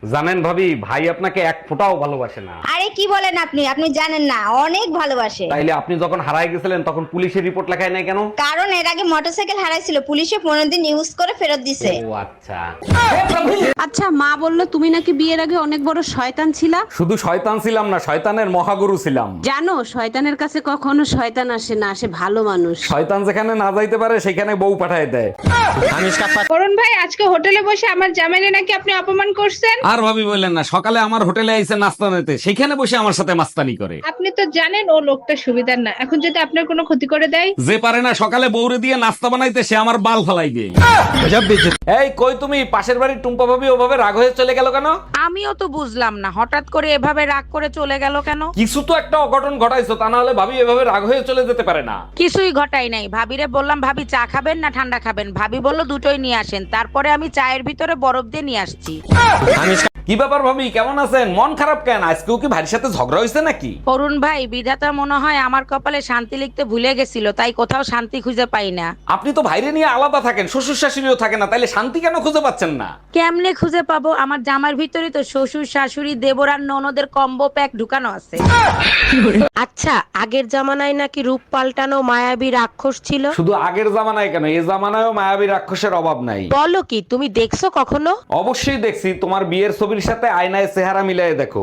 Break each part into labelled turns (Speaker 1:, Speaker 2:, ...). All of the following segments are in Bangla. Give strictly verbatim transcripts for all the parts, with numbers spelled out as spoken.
Speaker 1: জানেন ভাবি, ভাই আপনাকে এক ফোঁটাও ভালোবাসে না।
Speaker 2: আরে কি বলেন আপনি আপনি জানেন না, অনেক ভালোবাসে।
Speaker 1: তাইলে আপনি যখন হারায় গেছিলেন তখন পুলিশের রিপোর্ট লেখায় নাই কেন?
Speaker 2: কারণ এর আগে মোটরসাইকেল হারাইছিল, পুলিশে পনেরো দিন ইউজ করে ফেরত দিছে।
Speaker 1: ও আচ্ছা।
Speaker 3: আচ্ছা, মা বললো তুমি নাকি বিয়ের আগে অনেক বড় শয়তান ছিলা।
Speaker 1: শুধু শয়তান ছিলাম না, শয়তানের মহাগুরু ছিলাম।
Speaker 3: জানো, শয়তানের কাছে কখনো শয়তান আসে না, আসে ভালো মানুষ।
Speaker 1: শয়তান যেখানে না যাইতে পারে সেখানে বউ পাঠায় দেয়।
Speaker 4: অরুণ ভাই, আজকে হোটেলে বসে আমার জামাইরে নাকি আপনি অপমান করছেন।
Speaker 1: আর ভাবি বললেন না, সকালে আমার হোটেলে আইসে নাস্তা নিতে, সেখানে বসে আমার সাথে মাস্তানি করে।
Speaker 4: আপনি তো জানেন ও লোকটা সুবিধার না, এখন যদি আপনার কোনো ক্ষতি করে দেয়।
Speaker 1: যে পারে না সকালে বউরে দিয়ে নাস্তা বানাইতে, সে আমার বাল ফালাই দিয়ে। এই কই তুমি, পাশের বাড়ির টুম্পা ভাবি ওভাবে রাগ হয়ে চলে গেল কেন?
Speaker 5: আমিও তো বুঝলাম না, হঠাৎ করে এভাবে রাগ করে চলে গেল কেন।
Speaker 1: কিছু তো একটা অঘটন ঘটাইছো, তা না হলে ভাবি এভাবে রাগ হয়ে চলে যেতে পারে না।
Speaker 5: কিছুই ঘটাই নাই। ভাবিরে বললাম ভাবি চা খাবেন না ঠান্ডা খাবেন, ভাবি বলল দুটোই নিয়ে আসেন। তারপরে আমি চায়ের ভিতরে বরফ দিয়ে নিয়ে আসছি।
Speaker 1: কি ব্যাপার ভাবি, কেমন আছেন? মন খারাপ কেন? আজকেও কি ভাইয়ের সাথে ঝগড়া হয়েছে নাকি?
Speaker 5: অরুণ ভাই, বিধাতা মনে হয় আমার কপালে শান্তি লিখতে ভুলে গেছিল, তাই কোথাও শান্তি খুঁজে পাই না।
Speaker 1: আপনি তো ভাইরে নিয়ে আলাদা থাকেন, শ্বশুর শাশুড়িও থাকে না, তাইলে শান্তি কেন খুঁজে পাচ্ছেন না?
Speaker 5: কেমনে খুঁজে পাবো? আমার জামার ভিতরে তো শ্বশুর শাশুড়ি দেবর আর ননদের কম্বো প্যাক ঢুকানো আছে। আচ্ছা, আগের জামানায় নাকি রূপ পাল্টানো মায়াবী রাক্ষস ছিল।
Speaker 1: শুধু আগের জামানায় কেন, এই জামানায়ও মায়াবী রাক্ষসের অভাব নাই।
Speaker 5: বলো কি, তুমি দেখছো কখনো?
Speaker 1: অবশ্যই দেখছি, তোমার বিয়ের ছবির সাথে আয়নায় চেহারা মিলাই দেখো।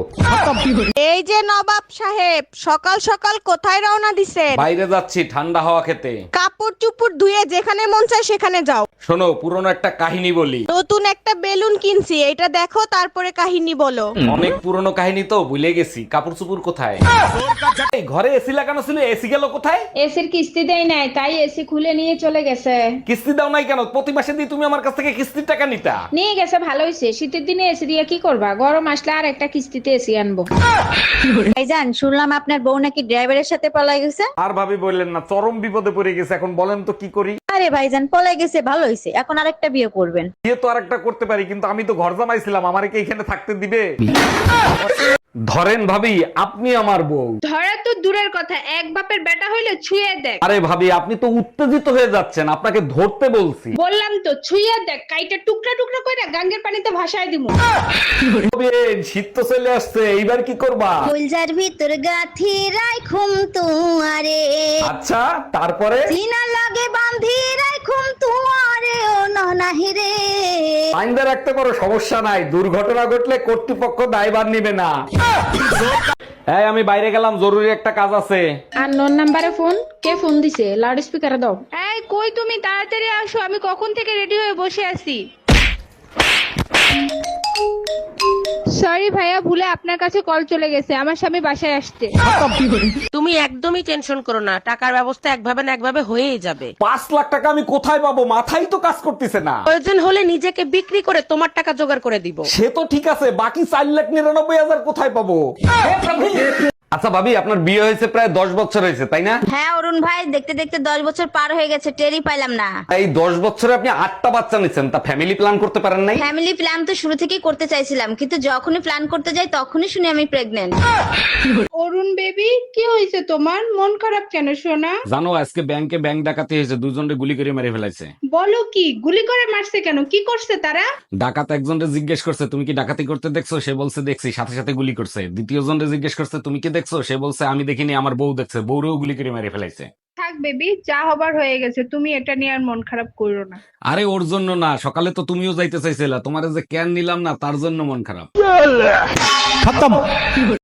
Speaker 2: এই যে নবাব সাহেব, সকাল সকাল কোথায় রওনা দিছেন?
Speaker 1: বাইরে যাচ্ছি ঠান্ডা হাওয়া খেতে।
Speaker 2: কাপড় চুপড় ধুয়ে যেখানে মন চায় সেখানে যাও।
Speaker 1: শোনো, পুরনো একটা কাহিনী বলি।
Speaker 2: নতুন একটা বেলুন কিনছি, এটা দেখো তারপরে কাহিনী বলো।
Speaker 1: অনেক পুরনো কাহিনী তো, ভুলে গেছি। কাপড় চুপুর কোথায়? এই ঘরে এসি লাগানো ছিল, এসি গেল কোথায়?
Speaker 4: এসির কিস্তি দেয় নাই, তাই এসি খুলে নিয়ে চলে গেছে।
Speaker 1: কিস্তি দাও নাই কেন? প্রতি মাসে দিয়ে তুমি আমার কাছ থেকে কিস্তির টাকা নিতা।
Speaker 4: নিয়ে গেছে, ভালো হয়েছে। শীতের দিনে এসি দিয়ে কি করবা, গরম আসলে আর একটা কিস্তিতে এসি আনবো।
Speaker 2: ভাইজান, শুনলাম আপনার বউ নাকি ড্রাইভারের সাথে পলাই গেছে।
Speaker 1: আর ভাবি বললেন না, চরম বিপদে পড়ে গেছে। এখন বলেন তো কি করি?
Speaker 2: আরে ভাইজান, পলাই গেছে ভালো হয়েছে, এখন আরেকটা বিয়ে করবেন।
Speaker 1: বিয়ে তো আরেকটা করতে পারি, কিন্তু আমি তো ঘর জামাইছিলাম, আমারে কি এখানে থাকতে দিবে? ধরেন ভাবি, আপনি আমার বউ।
Speaker 4: ধরা তো দূরের কথা, এক বাপের বেটা হইলে ছুঁয়ে দেখ।
Speaker 1: আরে ভাবি, আপনি তো উত্তেজিত হয়ে যাচ্ছেন, আপনাকে ধরতে বলছি।
Speaker 4: বললাম তো ছুঁয়ে দেখ, কাইটা টুকরা টুকরা করে গাঙ্গের পানিতে ভাসায় দিমু।
Speaker 1: শীত তো চলে আসছে, এইবার কি করবা?
Speaker 2: ফুলজার ভিতর গাথি রাইখুম তুয়ারে,
Speaker 1: আচ্ছা, তারপরে?
Speaker 2: সিনা লাগে বান্ধি রাইখুম তুয়ারে ও ননাহি রে।
Speaker 1: আইনদা রাখতে পারো, সমস্যা নাই। দুর্ঘটনা ঘটলে কর্তৃপক্ষ দায়ভার নিবে না। এই, আমি বাইরে গেলাম, জরুরি একটা কাজ আছে।
Speaker 4: আর নন নাম্বারে ফোন, কে ফোন দিছে? লাউড স্পিকারে দাও। এই কই তুমি, তাড়াতাড়ি আসো, আমি কখন থেকে রেডি হয়ে বসে আছি। সরি ভাইয়া, ভুলে আপনার কাছে কল চলে গেছে, আমার স্বামী বাসায় আসতে।
Speaker 5: তুমি একদমই টেনশন করো না, টাকার ব্যবস্থা একভাবে না একভাবে হয়েই যাবে।
Speaker 1: পাঁচ লাখ টাকা আমি কোথায় পাবো? মাথাই তো কাজ করতেছে না।
Speaker 5: প্রয়োজন হলে নিজেকে বিক্রি করে তোমার টাকা জোগাড় করে দিব।
Speaker 1: সে তো ঠিক আছে, বাকি চার লাখ নিরানব্বই হাজার কোথায় পাবো? আচ্ছা ভাবি, আপনার বিয়ে হয়েছে প্রায় দশ বছর হয়েছে, তাই না?
Speaker 2: হ্যাঁ অরুণ ভাই, দেখতে দেখতে দশ বছর পার হয়ে গেছে, টেরই পাইলাম না।
Speaker 1: এই দশ বছরে আপনি আটটা বাচ্চা নিচ্ছেন, তা ফ্যামিলি প্ল্যান করতে পারেন নাই?
Speaker 2: ফ্যামিলি প্ল্যান তো শুরু থেকেই করতে চাইছিলাম, কিন্তু যখনই প্ল্যান করতে যাই তখনই শুনি আমি প্রেগনেন্ট।
Speaker 4: অরুণ বেবি, কি হয়েছে তোমার? মন খারাপ কেন সোনা?
Speaker 1: জানো, আজকে ব্যাংকে ব্যাংক ডাকাতি হয়েছে, দুজনে গুলি করে মেরে ফেলাইছে।
Speaker 4: বলো কি, গুলি করে মারছে কেন? কি করছে তারা?
Speaker 1: ডাকাত একজনকে জিজ্ঞেস করছে তুমি কি ডাকাতি করতে দেখছো, সে বলছে দেখছি, সাথে সাথে গুলি করছে। দ্বিতীয় জনকে জিজ্ঞেস করছে তুমি কি দেখছো, সে বলছে আমি দেখিনি, আমার বউ দেখছে, বউরেও গুলি করে মেরে ফেলাইছে।
Speaker 4: থাক বেবি, যা হবার হয়ে গেছে, তুমি এটা নিয়ে আর মন খারাপ করো না।
Speaker 1: আরে ওর জন্য না, সকালে তো তুমিও যাইতে চাইছিলা, তোমার যে ক্যান নিলাম না তার জন্য মন খারাপ।